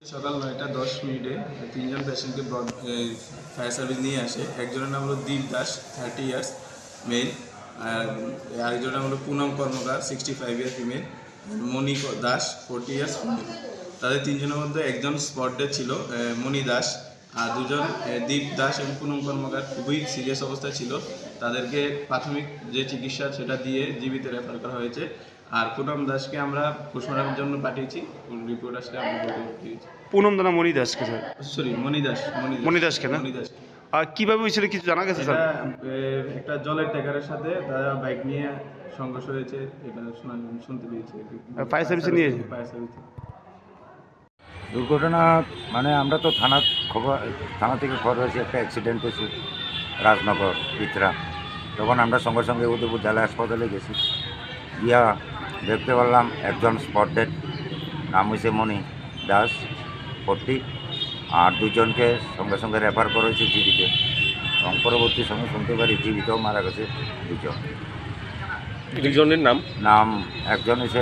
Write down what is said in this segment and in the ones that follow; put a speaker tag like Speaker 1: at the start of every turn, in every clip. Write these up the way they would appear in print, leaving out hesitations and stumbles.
Speaker 1: সকাল 9:10 তিনজন পেশেন্টকে ফায়ার সার্ভিস নিয়ে আসে। একজনের নাম হলো দীপ দাস 30 ইয়ার্স মেল, আর আরেকজনের নাম হলো Poonam Karmakar 65 year female, Moni Das 40 years female. তাদের তিনজনের মধ্যে একজন স্পট ডেড ছিল মণি দাস, আর দুজন দীপ দাস এবং পুনম কর্মকার খুবই সিরিয়াস অবস্থায় ছিল। তাদেরকে প্রাথমিক যে চিকিৎসা সেটা দিয়ে জীবিত রেফার করা হয়েছে। আর পুনম দাসকে আমরা পোস্টমর্টমের জন্য পাঠিয়েছি, রিপোর্ট আসলে আমরা দিয়েছি।
Speaker 2: পুনম দানা মণি দাসকে স্যার,
Speaker 1: সরি মণি দাস
Speaker 2: মণি দাসকে না?
Speaker 1: মণি দাস।
Speaker 2: আর কিভাবে হয়েছিল কিছু জানা গেছে স্যার?
Speaker 1: একটা জলের ট্যাঙ্কারের সাথে তারা বাইক নিয়ে সংঘর্ষ হয়েছে, এটা শুনতে পেয়েছি।
Speaker 2: ফায়ার সার্ভিসে নিয়েছে?
Speaker 1: ফায়ার সার্ভিসে।
Speaker 3: দুর্ঘটনা মানে আমরা তো থানা থেকে খবর হয়েছে একটা অ্যাক্সিডেন্ট হয়েছে রাজনগর পিতরা। তখন আমরা সঙ্গে সঙ্গে উদয়পুর জেলা হাসপাতালে গেছি, গিয়া দেখতে পারলাম একজন স্পট ডেড, নাম হয়েছে মণি দাস 40, আর দুজনকে সঙ্গে সঙ্গে রেফার করা হয়েছে জীবিত, এবং পরবর্তী সময় শুনতে পারি জীবিতও মারা গেছে দুজন।
Speaker 2: দুজনের
Speaker 3: নাম একজন হচ্ছে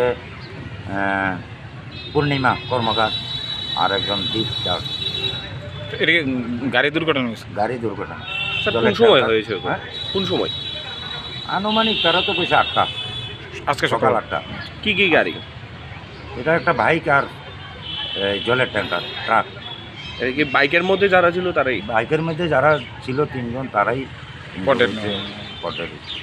Speaker 3: পূর্ণিমা কর্মকার আর একজন দীপ দাস।
Speaker 2: এটা গাড়ি দুর্ঘটনা হয়েছে?
Speaker 3: গাড়ি দুর্ঘটনা।
Speaker 2: কোন সময় হয়েছে?
Speaker 3: হ্যাঁ,
Speaker 2: কোন সময়?
Speaker 3: আনুমানিক তারা তো কইছে 8টা,
Speaker 2: আজকে
Speaker 3: সকাল 8টা।
Speaker 2: কি কি গাড়ি?
Speaker 3: এটা একটা বাইক আর জলের ট্যাঙ্কার ট্রাক।
Speaker 2: এটা কি বাইকের মধ্যে যারা ছিল তারাই?
Speaker 3: বাইকের মধ্যে যারা ছিল 3 জন তারাই
Speaker 2: Spotted.